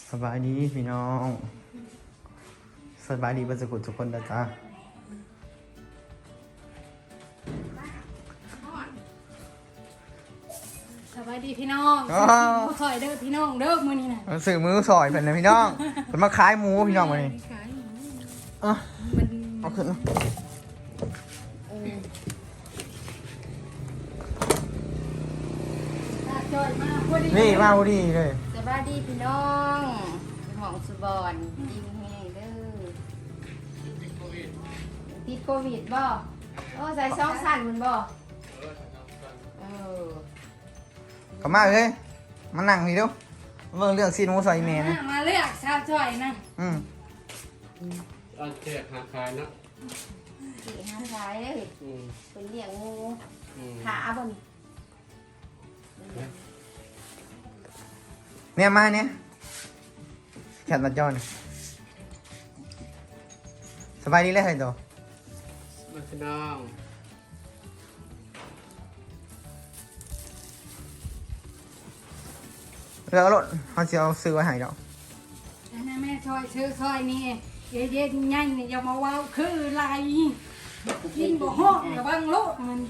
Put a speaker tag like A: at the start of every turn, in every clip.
A: สบายดีพี่น้องสบายดีบรรจุทุกคนนะจ๊ะ
B: สบายดีพี่น้องสอยเด้อพี่น้องเด้อมื้อนี้น่ะ
A: สื่อมือสอยเพิ่นนะพี่น้องเพิ่นมาขายหมูพี่น้องมื้อนี้
B: มัน
A: เอาขึ้น
B: จอยมาพอดี
A: นี่มาพอดีเลย
C: สบายดีพี่น้องของสุบอนยิงแห้งเด้อติดโควิดบ่โอ้ใส่ซองสั่นมันบ่เออ
A: เข้ามาเลยมานั่งนี่เด้อเบิ่งเรื่องซีนหมูซอยแม่นะ
B: มาเลือกสาวจอยนะ
D: เอาแจกหาขายนะ
C: สี่ห้าร้ายเลยเป็นเลี้ยงงูขาบน
A: เนี่ยมาเนี่ยแขนมาจอนสบายดีเลยเหรอตัว
D: มาพี่น้อง
A: แล้วรถเขาจะเอาซื้อไว้ให้ดอก
B: นะแม่ซอยชื่อซอยนี่เย็นๆnhanhนี่อย่ามาว้าวคือไรกินบ่ฮ้องระวังโลดมัน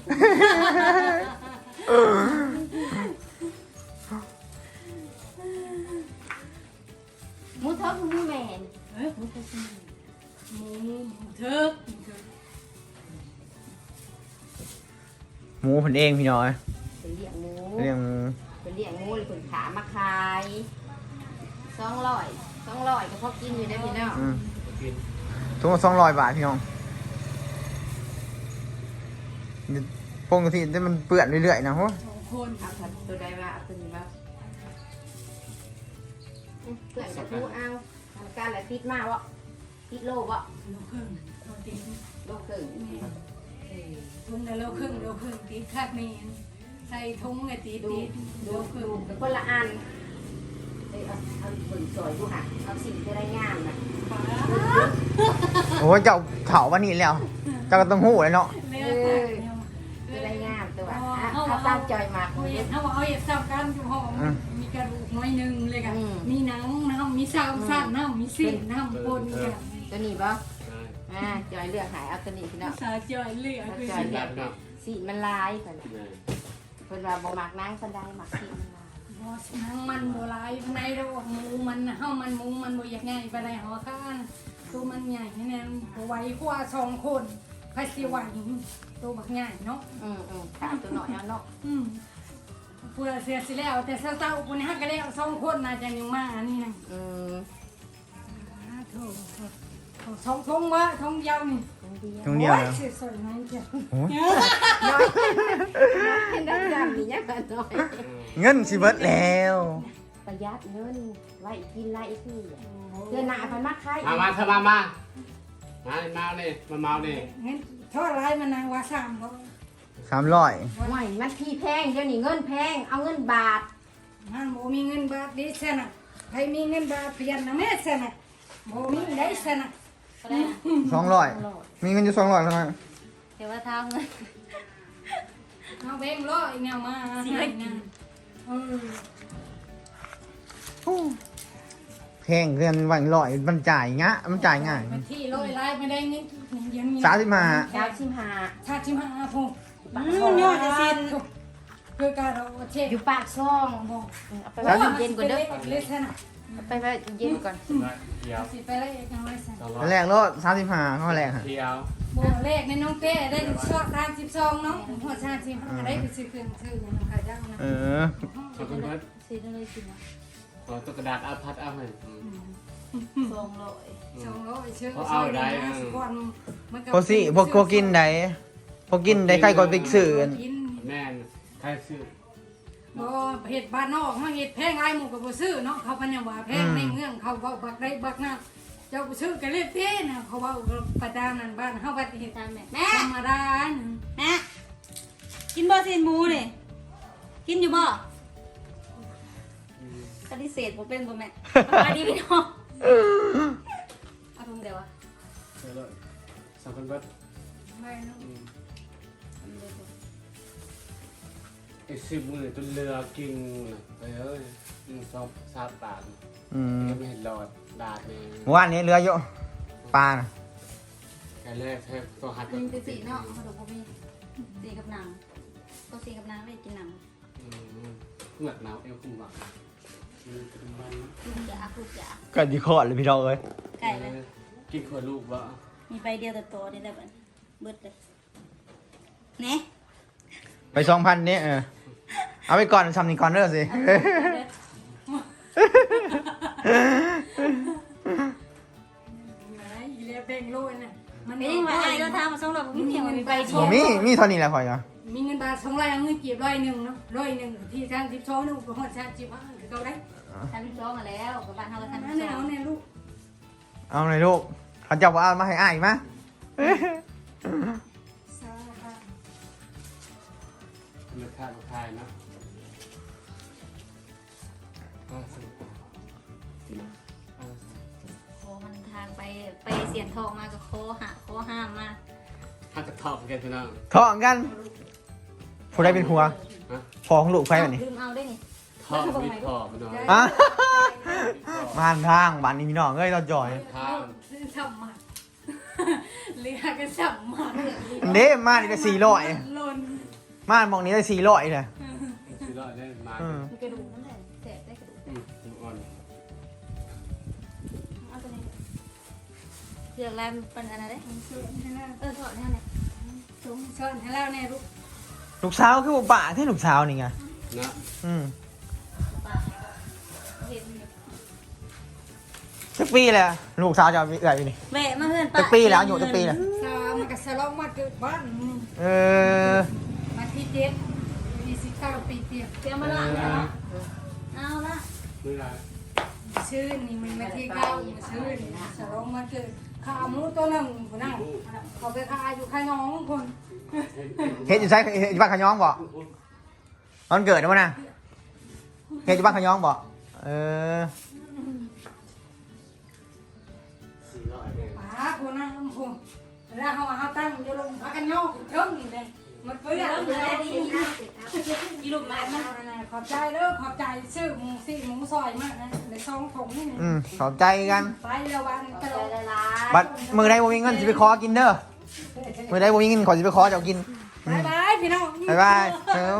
C: หมูทอดหมูแมน
B: หมูเถิก
A: หมูเพิ่นเองพี่น้อย
C: เป็นเลี้ยงหมู
A: เรื่อง
C: เป็นเลี้ยงงูหรือคนขามาขาย200ก็พอกินอยู่ได้พี่น้อง
D: กิน
A: ทุก200 บาทพี่น้องปกติมันเปื่อนเรื่อยๆนะโห
B: 2 คน
C: เอาผัดตัวใดมาเอาตัวนี้มาเพื่อนจะทูเอาทำการอะไรติดมาวะติดโลวะ
B: โลครึ่งโลติด
C: โลครึ่ง
B: ทุ่งละโลครึ่งติดคักนี่ใส่ทุ่งไอ้ติด
C: ดู
B: โลครึ่ง
C: เป็นคนละอันเอาเบิ่งสวยดูค่ะเอาสิ่งที่ได้งามนะ
A: โอ้ยเจ้าเถาวันนี้แล้ว เจ้าก็ต้องหู้เลยเนาะ
B: เลือกตักเนี่ย
C: ที่ได้งามตัวถ้าตั้งใจมา
B: เขาเห็ดเขาเห็ดซ้ำกันอยู่ห้องมีกระดูกน้อยนึงเลยกันมีหนังน้ำมีซ้ำสั้นน้ำมีสิ่งน้ำปนกัน
C: ตัวนี้ป่ะ
D: ได้
C: จอยเลือกหายเอาตัวนี้พี่น้อง
B: สาจอยเลือกคือ
C: จอยเลือกสีมันลายเพิ่นว่าบ่มักนางคนใดมักสีมันลาย
B: บอสนังมันโบราณในระบบหมูมันเฮามันหมูมันบ่อยากง่ายไปได้หอข้างตัวมันใหญ่แน่ไว้กว่า2 คนใครสิไหวตัวบักง่ายเนาะ
C: ถามตัวหน่อยเอาเนาะ
B: เพื่อเสียสิแล้วแต่เศร้าๆคนนี้ฮักก็แล้ว2 คนน่าจะยังมาอันนี้นะโถสองทงวะทงยาวนี่
A: ตรงเดียว
B: โอ้
A: นะ
B: สวยๆนั่นจ้ะ
A: โอ้ย
C: น้อยเห็นได้จำนี่ยังกันน้อย
A: เงินสิเบิดแล้ว
C: ประหยัดเงินไว้กินไรคือเดือนหน้าพันมักใคร
D: มาเธอมาเลยมาเมาเลย
B: งั้นเท่าไรมันนางว่า3บ่
A: 300
C: ห่วยมันพี่แพงเดี๋ยวนี้เงินแพงเอาเงินบาท
B: มันบ่มีเงินบาทดิซะน่ะใครมีเงินบาทเปลี่ยนนะแม่ซะน่ะบ่มีได้ซะน่ะ
A: 200มีเงินอยู่200แล้วนะ
C: เดี๋ยวว่าทางเงิน
B: เอาแบงค์ร้อยเนี่ยมาให้นะ
A: แพงเงินวัน100มันจ่ายมันจ่ายง่าย
B: มันที่ร้อยลายไม่ได้เงินยังมี
A: 35
C: 35
B: ชาติมาพง
C: ยอดจะสิ้น
B: คือการเราเช็ค
C: อยู่ปากซ่อง
B: บอก
C: เอาไปไว้เย็นก่อนเด้อ
B: เลยซะน่ะ
C: เอาไปไว้เย็นก่อน
D: เดี๋ยว
B: สิไปเลยยังไงซะ
A: แรกรถ35ข้อแรกฮะ
D: เดี๋ยว
B: บ่เลขในน้องเป้ได้ชอบ32เนาะหัวชาติ35ได้ไปซื้อเครื่องซื้ออย่างน้องขายจังนะ
D: ขอบคุณครับ
C: ซื้อได้เลยสินะ
D: ขอตัวกระดาษเอาพัดเอาให้
B: 200ชื่อ
A: พวกสิพวกกินได้พวกกินได้ใครก็ไปซื้อ
D: แม่ใครซื้อ
B: บ่เห็ดบ้านนอกเฮาเห็ดแพงหลายหมู่ก็บ่ซื้อเนาะเขาพะเนี่ยว่าแพงในเมืองเขาเว้าบักได้บักนะเจ้าบ่ซื้อก็เลยเต้นะเขาเว้าประจานนั่นบ้านเฮาบัดเฮ็ดตามแม่ธรรมดา
E: แม่กินบ่ซีนหมูนี่กินอยู่บ่ปฏิเสธบ่เป็นบ่แม่มาดีพี่น้องเอาทุ่งเดียวอะ
D: เดี๋ยวเลยสองคนเบิร์ด
B: ไม่เนาะ
D: ไอ้10 มื้อจนเรือกินไปเอ้ยสองสามบาท ไม่เห็นหลอดดาดเลย
A: เมื่อวานนี้เรือเยอะปลาน่ะ
D: แค่แรกแค่ตัวหัด
E: มันจะสีเนาะเขาดูพวกมีสีกับหนังตัวสีกับหนังไม่กินหนัง
D: เหมือนหนาวเอวคุ้มหวังมัน
E: ลูกจ๋าลูกจ๋า
A: ก็ดีคอดเลยพี่น้องเอ้ย
E: ไก่เลย
D: กินขวดลูกวะ
E: มีใบเดียวแต่โตนี่แหละเบิดเลยเนี่ย
A: ไป2,000นี่เอาไปก่อนทำนี่ก่อนเด้อสิ
B: ไหนอีเลียเบ่งโลยน่ะมัน
E: ไม่ยังไงไอ้เราทำมาส่งเราไม่เพียงมีใบเดี
A: โอ้
E: ยว
A: มีเท่านี้แหละพอยอ่ะ
B: มีเงินบาท200เอาเงินเก็บ100เนาะ100ที่ทาง12นึงก็ฮอด35คือเก่าได้
E: ทำร้องมาแล้วกับบ้านเขาก็ทำ
B: นั่นแหละเอาแน่ลูก
A: เอาเลยลูกเขาจะว่าเอามาให้อ้ายมั้ย
B: สาธุ
D: เลือดข้าวทายนะ
E: โคมันทางไปเสียนทองมากับโคห้ามมา
D: ถ้าจะทอบกันพี่น้อง
A: ท้องกันผู้ใดเป็นผัวพอของลูกไฟแบบนี้
E: ลืมเอาได้นี่
D: ทอบมีทอบพี่น้อง
A: อ่ะบ้านทางบ้านนี้พี่น้องเอ้ยเราจ่อย
D: ทาง
B: สัมมาเรียกกันสัมมา
A: เด้มานี่ได้400
B: หล่น
A: มาหมองนี้ได้400เลย
D: สิรอดได้มา
E: มีกระดูกนั่นแหละแสบได้กระดูก
D: อ่อน
E: เอาตัวนี้เลือกลายเป็นอะไรได้
B: สอนให้แล้ว
E: ถอดแน่เนี่ย
B: สอนให้แล้วแน่ลูก
A: ลูกสาวคือบ่ป่าที่ลูกสาวนี่ไง
D: นะ
E: ปากเห็น
A: จักปีเลยลูกสาวจะเอาเอื่อยอยู่นี่
E: แม่มาเพื่อน
A: จักปีแล้วอยู่จักปีแล้ว
B: สาวมันก็สลองมาเกิดบ้าน
A: เออ
B: มาที่7 29 ปีเตีย
E: เตรียมมาละเอาละ
D: ไม่ไร
B: ชื่อนี่มันมาที่9ชื่อนี่สลองมาเกิดข้าวหมูตัวนึงพุ่นน่ะเขาไปขายอยู่ข้างน้องคน
A: เฮ็ดอยู่ใช่เฮ็ดอยู่บ้านขะย้องบ่ตอนเกิดนะวะนะเฮ็ดอยู่บ้านขะย้องบ่เออ
D: สิรอดได้
B: ป้าคนนั้นคนแล้วเขาตั้งอยู่ลงพักกันย่อเทิงนี่เลยมันเปื้อนเลย
E: อีลูกแม่มา
B: ขอบใจเด้อขอบใจซื้อหมูสิหมูซอยมากนะในซองถุงนี่
A: ขอบใจกัน
B: ไปแล้ววันตลอด
A: บัดมือใดบ่มีเงินสิไปขอกินเด้อมือใดบ่มีเงินขอสิไปขอเจ้ากิน
B: บายบายพี่น้อง
A: บ๊ายบายเอ้า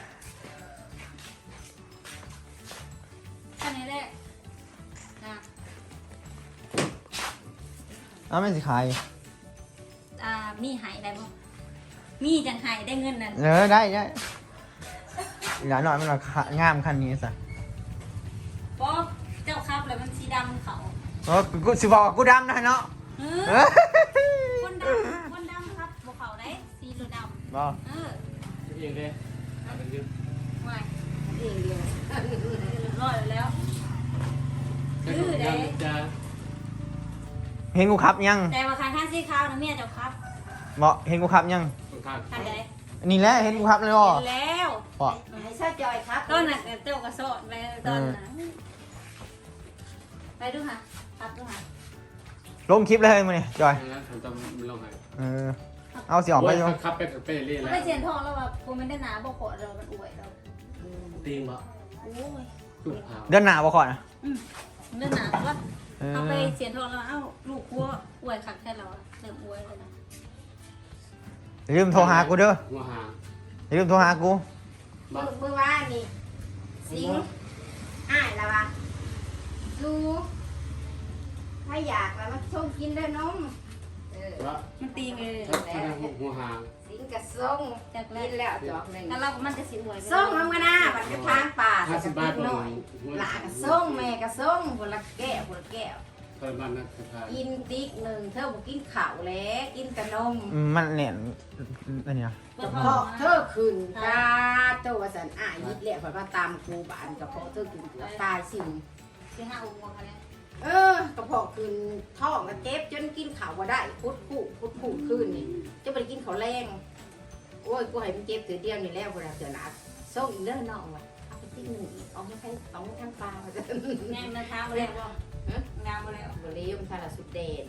E: อันนี้แหละนะ
A: เอาไม่สิขาย
E: มีหายได้บ่มีจังหายได้เงินนั่น
A: ได้อีหลานหน่อยมันราคางามคันนี้ซะ
E: ป๊อบเจ้าครับแล้วมันสีดำเขา
A: กูสิบอกว่ากูดำนะเนาะ
E: คนดำครับบ่เขาได้สีเหลืองดำ
A: บ่
D: เองเลยเอาเป็นยืม
E: ไม่
C: เองเดียว
E: ร้อยแล้ว
D: จะ
A: เห็นกูขับยัง
E: แต่ว่าคันข้างสีขาวนะเมียเจ้าครับ
A: บ่เห็นกูขับยัง
D: ค่อนข้าง
E: คันใด
A: นี่แหละเห็นกูขับเลยบ่
E: เห็นแล้ว
A: บ่
C: ให้ซาจอยครับ
E: ต้นน่ะเจ้ากระโสดไปตอนน่ะไปดูค่ะครับดูค่ะ
A: ลงคลิปเลยมื้อนี้จอย
D: นะผมจะลงให้
A: เอาสิออกไปอยู่
D: ขับไปเรื่อย
E: เขา
D: แล้ว
E: ไปเสียนทองแล้วว่าผมไม่ได้หนาบอกขอเรามันอวยเรา
D: ตีนบ่
E: โอ้ย
D: ลูกเผา
A: เดือนหน้าบ่ขอนะ
E: เรื่องหนาว่าเอาไปเสียนทองแล้วเอ้าลูกวัวอวยขักแค่เราเริ่มอวยเลยนะ
A: อย่าลืมโทรหากูเด้อ
D: หัวหาง
A: อย่าลืมโทรหากู
D: บ่
C: มือว่านี่สิงอ้ายละวะดูถ้าอยากแล้วมาส่งกินได้น้อง
D: ว่า
E: มันตีเลย
D: ถ้าหัวหาง
C: สิงกับส่ง
E: จากแร
C: กิ
E: ก
C: นแล้วจอกหนึ่ง
E: แล้วเรามันจะสิอวย
C: ส่งทำกันนะบัดไปทางป่า
D: 50 บาท
C: หน่อยหลานกับส่งแม่กับส่งคนละแก้วคนละแก้ว
D: เพิ่มบ้านนะสุดท้าย
C: กินติ๊กหนึ่งเธอบอกกินข้าวแล้วกินแต่นม
A: มันเนี่ยอันเนี้ย
C: กระเพาะเธอขึ้นตาโตวสันอ้ายยิดแหละเพราะว่าตามครูบานกระเพาะเธอขึ้นเกือบตายสิ
E: ที่ห้าองค์อะไร
C: กระเพาะขึ้นท้องก็เจ็บจนกินข้าวบ่ได้พุดผู้ขึ้นนี่จะไปกินข้าวแรงโอ้ยกูให้มันเจ็บถือเดียวนี่แล้วเวลาเสือหนักส่งอีกเด้อน้องว่ะเอาไปติ๊กหนึ่งอีกเอาไม่ใช่เอาไม่ทั้งปลาว่าจะ
E: งานมาเท้าแล้วงานมาแล้ว
C: บริยมทาราสุดเดน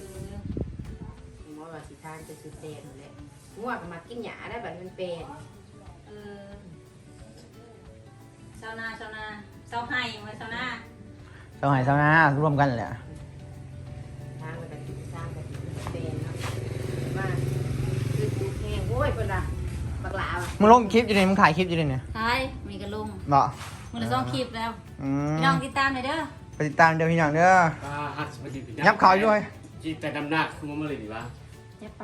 C: มอว่าสิทานจะสุดเดนเลยง่วงก็มากินหยาได้บัดมันเป็น
E: ชาวนาเสาให้มาเสาหน้า
A: เสาไหเสาหน้ารวมกันแหละ
C: ทางมันก็สร้างกันเป็นเนาะว่าคือดูแห้งโว้ยเพิ่นน่ะบักหลาว่ะ
A: มึงลงคลิปอยู่นี่มึงถ่ายคลิปอยู่นี่เนี่ย
E: ใช่มีกระลุง
A: เนาะ
E: มือละ2คลิปแล้ว
A: อืม
E: พี่น้องติดตามหน่อยเด้อ
A: ไปติดตามเดี๋ยวพี่น้องเด้อ
D: ป้าฮัทสวัสดีพี่
A: ยับเขาอยู่ด้วย
D: จีแต่ดำหน้าคือมันมาเลยดีวะ
C: อย่าไป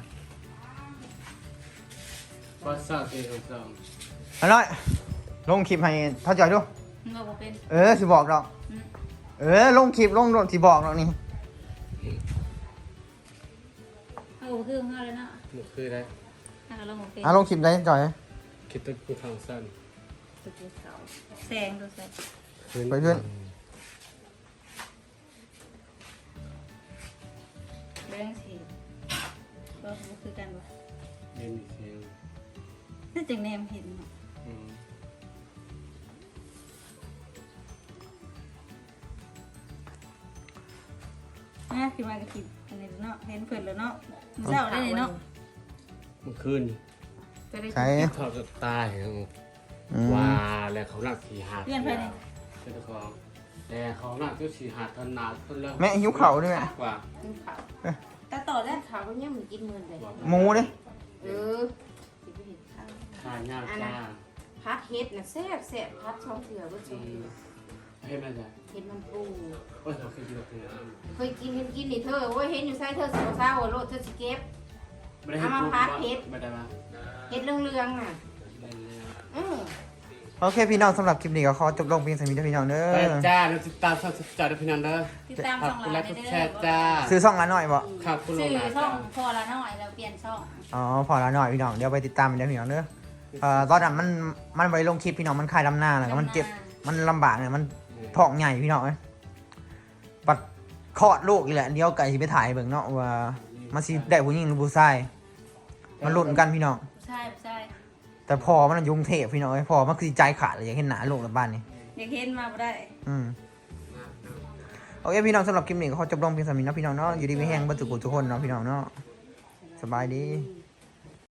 D: ก็สร้างเองสร้าง
A: เอาหน่อยลงคลิปให้เท่าจอยดู
E: มันบอกว่าเป็น
A: สิบอกดอก
E: อืม
A: ลงคลิปลงสิบอกดอกนี่
E: เอาบอกคือของเขาเลยเนาะ
D: หมดคือได้
E: ถ้าเราบอกเป็น
A: ลงคลิปได้จอย
D: คิดต้นกูทางสั้น
C: สุดที่เสา
E: แสงดูแสง
A: ไปเรื่อย
E: เรื่องสีก็คือกันวะ
D: เย็นเสียง
E: น่าจะแนมเห็นเนาะ
D: อืม
E: นะคือมากระติบอันนี้เนาะเห็นเพิ่นแล้วเนาะเจ้าได้เลยเนาะ
D: เมื่อคืน
E: จะได้
A: ใช้
D: ทอดจะตาย
A: อืม
D: ว่าแล้วเขาหนักสี่หาด
E: เพื่อนไปเลย
D: เจ้าของแต่เขาหนักก็สี่หาดทนนาต้นเลิก
A: แม่หิวเข่าด้วยแม่
D: ว่า
C: กินข้าว
E: ตาต่อได้
C: ข้าวก็ยังมันกินมื้อเลย
A: หมูดิ
C: เออสิไปเห็นข้าว
D: ทานยากจ้า
C: พัดเฮ็ดน่ะแซ่บแซ่บพัดช่องเถื่อก็ช่องเถื่อ
D: ให้แม่จ้ะ
C: เฮ็ดมันปู
D: โอ้ยเราเคยกินแบบนี้
C: เคยกินนี่เธอโอ้ยเห็นอยู่ไสเธอสิบ่เศร้าโลดเธอสิเก็บ
D: ไม่ได้ให้ปุ๊บไม่ได้มา
C: เฮ็ดเรื่องๆน่ะอือ
A: โอเคพี่น้องสำหรับคลิปนี้ก็ขอจบลงเพียงเท่านี้เด้อพี่น้องเด้
D: ไป
A: อ
D: จ้าเราติดตามช่องจ่าด้วยพี่นันเด้อ
E: ติดตาม
D: ขอ
E: ช่
D: บ
E: อง
D: คุณ
E: เรา
D: และ
E: ได้
D: กด
E: เด้
D: แชร์จ้า
A: ซื้อซ่องละหน่อยบ่
D: ครับคุณล
E: ชื่
D: ง
E: อ
D: นะ
E: ช่องพอละน้อยเราเปลี่ยนช่อง
A: อ๋อพอละหน่อยพี่น้องเดี๋ยวไปติดตามเดี๋ยวพี่น้องเด้อตอนนั้นมันไปลงคลิปพี่น้องมันคลายลำหน้าแล้วก็มันเจ็บมันลำบากเนี่ยมันท้องใหญ่พี่น้องเอ้ยปัดคลอดลูกอีกแหละเดี๋ยวไก่สิไปถ่ายเบิ่งเนาะว่ามันสิได้ผู้หญิงหรือผู้ชายมันลุ้นกันพี่น้อง
E: ใช่ใช่
A: แต่พอมันอยุ่กรุงเทพพี่น้องเอ้ยพอมันคือใจขาดเลยอยากเห็นหน้าลูกในบ้านนี่
E: อยากเห็นมาบ่ได้
A: โอเคพี่น้องสำหรับคลิปนี้ก็ขอจบลงเพียงเท่านี้นะพี่น้องเนาะอยู่ดีไม่แห้งเบัตุกุทุกคนเนาะพี่น้องเนาะสบายดี
C: อืม